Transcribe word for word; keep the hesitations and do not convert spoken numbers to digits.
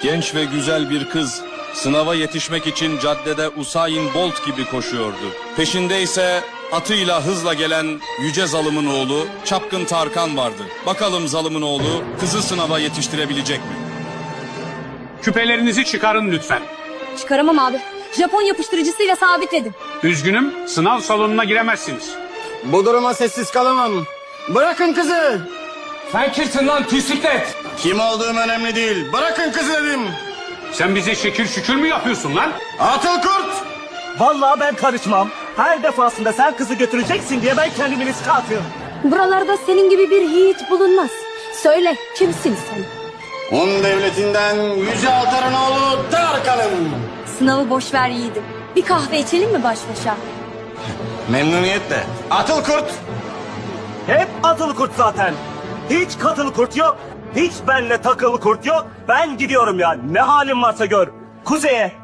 Genç ve güzel bir kız sınava yetişmek için caddede Usain Bolt gibi koşuyordu. Peşinde ise atıyla hızla gelen yüce zalımın oğlu Çapkın Tarkan vardı. Bakalım zalımın oğlu kızı sınava yetiştirebilecek mi? Küpelerinizi çıkarın lütfen. Çıkaramam abi. Japon yapıştırıcısıyla sabitledim. Üzgünüm, sınav salonuna giremezsiniz. Bu duruma sessiz kalamam. Bırakın kızı. Sen kimsin lan bisiklet? Kim olduğum önemli değil. Bırakın kızı dedim. Sen bize şekil şükür mü yapıyorsun lan? Atıl kurt. Vallahi ben karışmam. Her defasında sen kızı götüreceksin diye ben kendimi riske atıyorum. Buralarda senin gibi bir yiğit bulunmaz. Söyle, kimsin sen? Hun devletinden Yüce Altar'ın oğlu Tarkan'ım. Sınavı boş ver yiğidim. Bir kahve içelim mi baş başa? Memnuniyetle. Atıl kurt. Hep atılı kurt zaten. Hiç katılı kurt yok. Hiç benle takılı kurt yok. Ben gidiyorum ya. Ne halin varsa gör. Kuzeye,